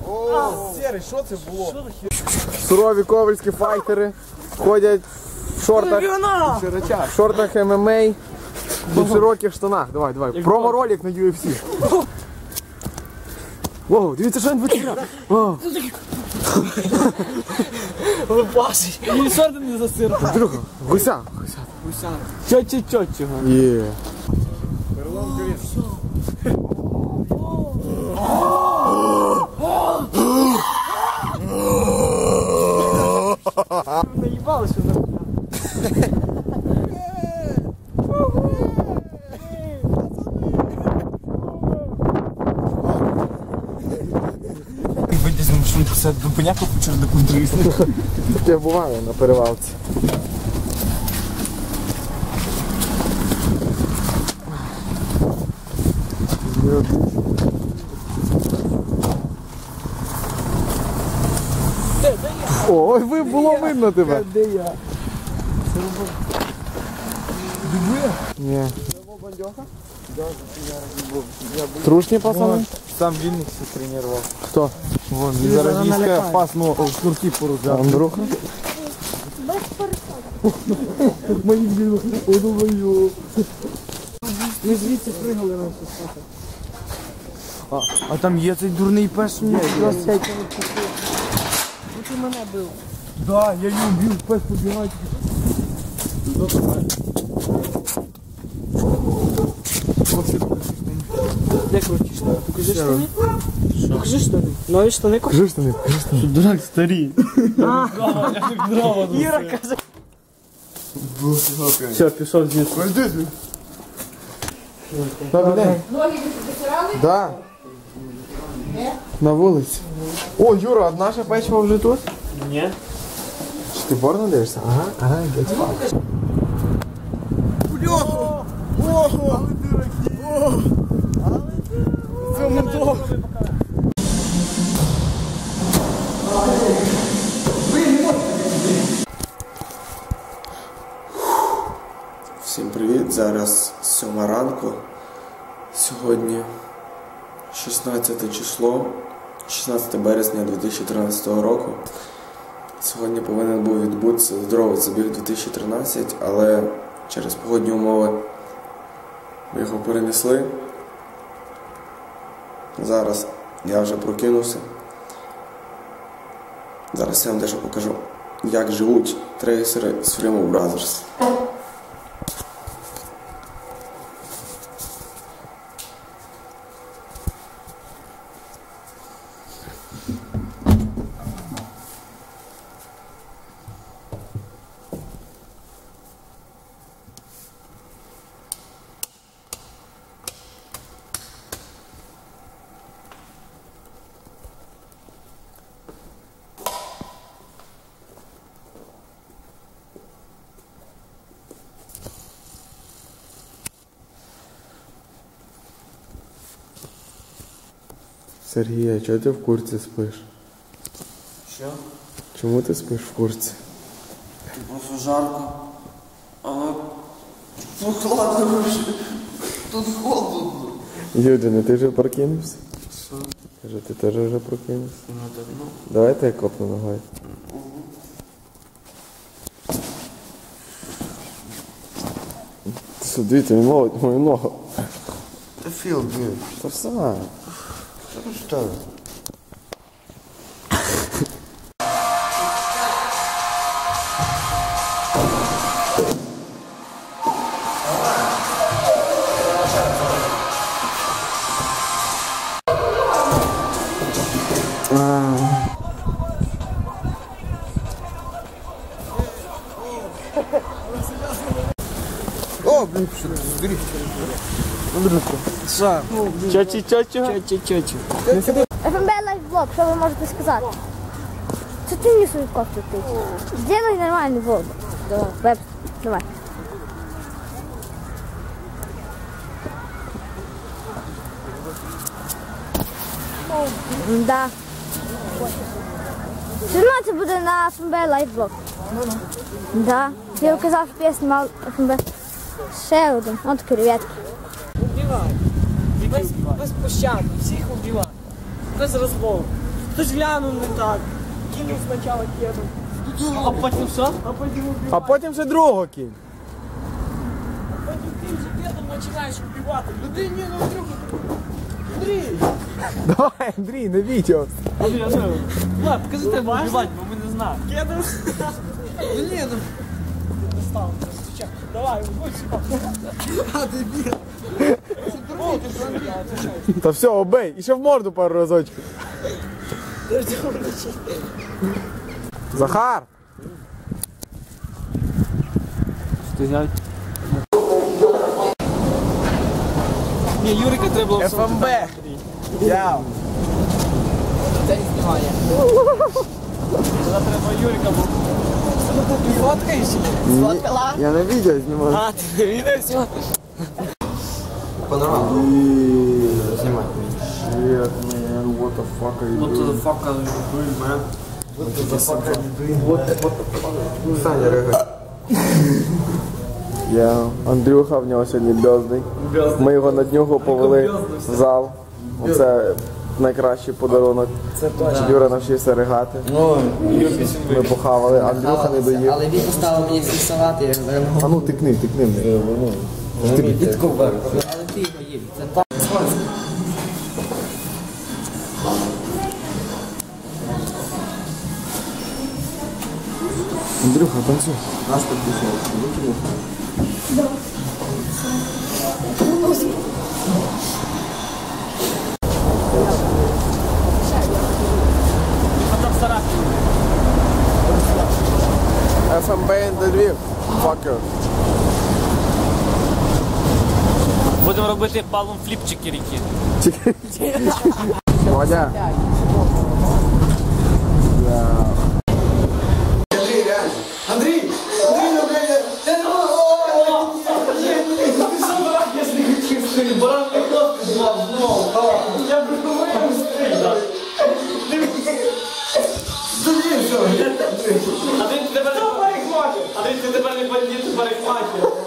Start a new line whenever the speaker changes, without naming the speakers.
Серий, що це було?
Сурові ковальські файтери ходять в шортах ММА і в широких штанах. Давай. Промо-ролик на UFC. Воу, дивіться, що він витирав.
Лупашить. І шорти не засирав.
Друга, гуся.
Чотчого.
Є.
Наїбали, що нахуя.
Вийти з машини, писати до поняку, почав до контролісту.
Таке буває на перевалці. Ой, було видно тебе.
Де я?
Ні. Трушні пацани?
Сам Вінник все тренував.
Хто?
Вон, він зараз війська опасно в шнурки порозляв.
Андрюха?
Мої блін, одумаю. Ми звідси пригали на все спати.
А там є цей дурний пес?
Ні, ти мене бив.
Да, я її вбив, пес побігає.
Де круті штани? Покажи штани. Покажи штани. Нові штани купи.
Кажи штани.
Дурак старий.
Іра каже. Все, пішов звідси.
Добрий день.
Ноги витирали?
Да. На вулиці. О, Юра, а наша печива вже тут?
Ні.
Чи ти порно дивишся? Ага, get fucked. Всім привіт, зараз 7 ранку, сьогодні 16 число, 16 березня 2013 року. Сьогодні повинен був відбутися здоровий забіг 2013, але через погодні умови ми його перенесли. Зараз я вже прокинувся. Зараз я вам дещо покажу, як живуть трейсери з Freemo Brothers. Сергій, а чого ти в куртці спиш?
Що?
Чому ти спиш в куртці?
Просто жарко. Але прохладно вже. Тут холодно.
Юдине, ти вже прокинувся?
Що?
Кажу, ти теж вже прокинувся?
Ну так, ну.
Давайте я копну ногою. Ти сюди, ти не молодь мою ногу.
Та feel good.
Та все.
Що? О, блін, що ти зберіг? Що?
Чотчого.
ФМБ лайфблог, що ви можете сказати? Це ти мені свою кофту тичиш. Сделай нормальний влог. Давай, веб, давай. Да. Все одно це буде на ФМБ лайфблог. Да. Я казав, що я знімав ФМБ. Ще один. От креветки.
Убивай. Без пощади, всіх убивай. Без розмов. Хтось глянув не так. Кинув спочатку кеду. А потім що? А потім убивати.
А потім вже другого кінь.
Потім ти вже кедом починаєш вбивати. Людей ні, ну Андрюха. Андрій!
Давай, Андрій, на відео.
Андрій, Влад, покажи тебе вбивати, бо ми не знаємо. Кедом? Ну ні, ну. Достав, стучак. Давай, будь сюди. А, дебіл. О, ти що, отвечай.
Та все, обей. І ще в морду пару разочків. Захар!
Ти взяв? Ні, Юрика треба було
ФМБ. Яу.
Це не знімає. Треба Юрика був. Ти фоткаєш? Сфоткала?
Я на відео знімаю.
А, ти відео знімав?
Снимай. Shit, man, what the fuck are you doing?
What the fuck are you doing, man?
What the fuck are you doing? What the fuck? Саня, ригай. Я, Андрюха, в нього сьогодні бьоздий. Ми його на днюху повели в зал. Оце найкращий подарунок. Щоб Юра навчився ригати. Ми похавали, Андрюха не доїв.
Але він поставив мені всі салати, я не
А ну тикни.
але ти його їв. Це так.
Андрюха, танцуй. ФМБ Львів. Fucker.
Будемо робити палом фліпчики ріки.
Водя.
А ти тепер не бандит, ти парикмахер.